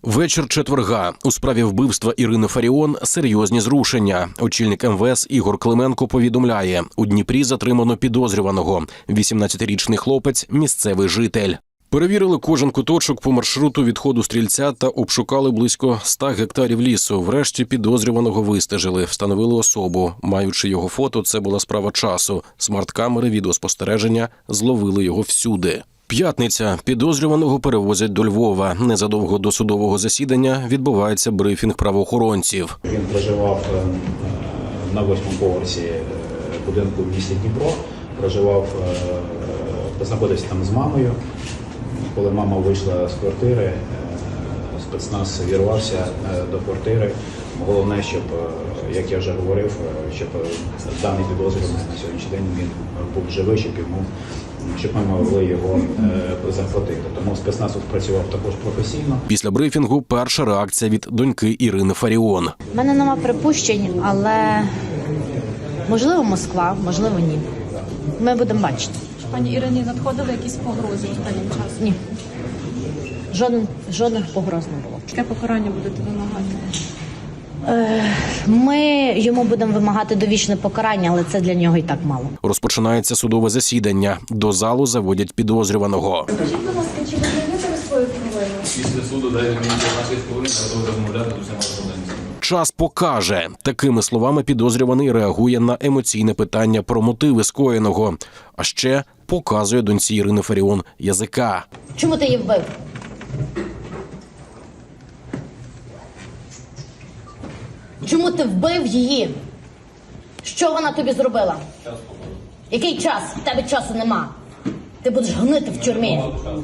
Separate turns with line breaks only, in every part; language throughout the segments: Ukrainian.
Вечір четверга. У справі вбивства Ірини Фаріон серйозні зрушення. Очільник МВС Ігор Клименко повідомляє, у Дніпрі затримано підозрюваного. 18-річний хлопець – місцевий житель. Перевірили кожен куточок по маршруту відходу стрільця та обшукали близько 100 гектарів лісу. Врешті підозрюваного вистежили, встановили особу. Маючи його фото, це була справа часу. Смарт-камери відеоспостереження зловили його всюди. П'ятниця. Підозрюваного перевозять до Львова. Незадовго до судового засідання відбувається брифінг правоохоронців.
Він проживав на 8-му поверсі будинку в місті Дніпро. Знаходився там з мамою. Коли мама вийшла з квартири, спецназ вірвався до квартири. Головне, щоб, як я вже говорив, щоб даний підозрюваний на сьогоднішній день він був живий, щоб ми могли його захватити. Тому спецназ працював також професійно.
Після брифінгу перша реакція від доньки Ірини Фаріон.
У мене нема припущень, але можливо Москва, можливо ні. Ми будемо бачити.
Пані Ірині надходили якісь погрози останнім часом?
Ні. Жодних погроз не було.
Яке покарання будете вимагати?
Ми йому будемо вимагати довічне покарання, але це для нього і так мало.
Розпочинається судове засідання. До залу заводять підозрюваного.
Скажіть, будь ласка, чи ви знаєте свою провину?
Після суду дайте мені 15 хвилин, готовий розмовляти з усіма студентами.
Час покаже. Такими словами підозрюваний реагує на емоційне питання про мотиви скоєного. А ще показує доньці Ірини Фаріон язика.
Чому ти її вбив? Чому ти вбив її? Що вона тобі зробила? Який час? В тебе часу нема. Ти будеш гнити в тюрмі.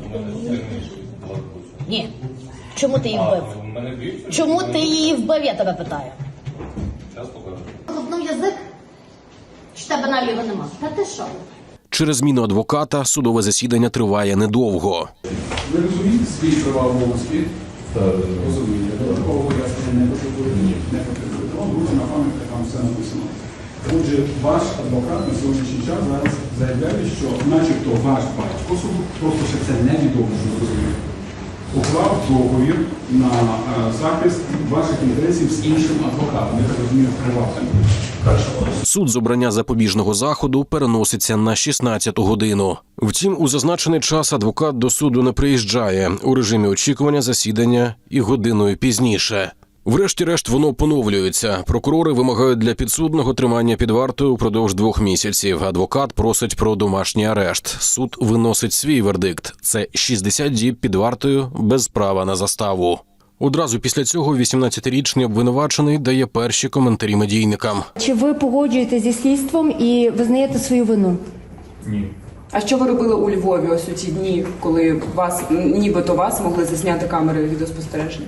Ні. Чому ти її вбив? Чому ти її вбив, я тебе питаю? Лобнув язик? Чи тебе наліво нема? Та ти що?
Через зміну адвоката судове засідання триває недовго.
Ви розумієте свої права обов'язки? Розумієте. Додаткового пояснення не потребує? Не потребує. Вам буде на пам'яті, там все написано. Отже, ваш адвокат на сьогоднішній час зараз заявляє, що начебто ваш батько, просто ще це невідомо, що зрозуміло, уклав договір на захист ваших інтересів з іншим адвокатом. Я так розумію, приватним.
Суд з обрання запобіжного заходу переноситься на 16-ту годину. Втім, у зазначений час адвокат до суду не приїжджає. У режимі очікування засідання і годиною пізніше. Врешті-решт воно поновлюється. Прокурори вимагають для підсудного тримання під вартою упродовж 2 місяців. Адвокат просить про домашній арешт. Суд виносить свій вердикт. Це 60 діб під вартою без права на заставу. Одразу після цього 18-річний обвинувачений дає перші коментарі медійникам.
Чи ви погоджуєтесь зі слідством і визнаєте свою вину?
Ні.
А що ви робили у Львові ось у ці дні, коли нібито вас могли засняти камери відеоспостереження?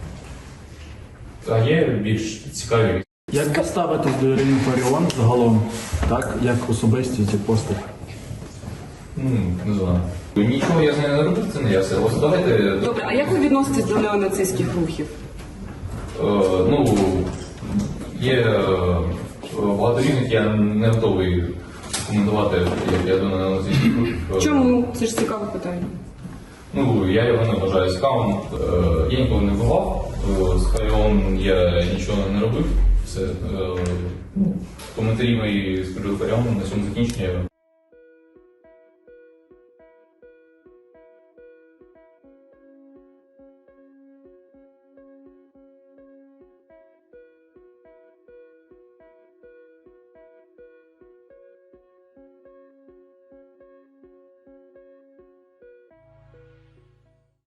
А є більш цікаві.
Як ви ставитесь до Ірини Фаріон загалом, так, як особистість і постать?
Не знаю. Нічого я з нею не робив, це не я все. Ось давайте...
Добре, а як ви відноситесь до неонацистських рухів?
Є багато різних, я не готовий коментувати, як я до неонацистських рухів.
Чому? Це ж цікаве питання.
Я його не вважаю цікавим. Я ніколи не бував. З Фаріон я нічого не робив. Все. Коментарі мої з Фаріон на цьому закінчення.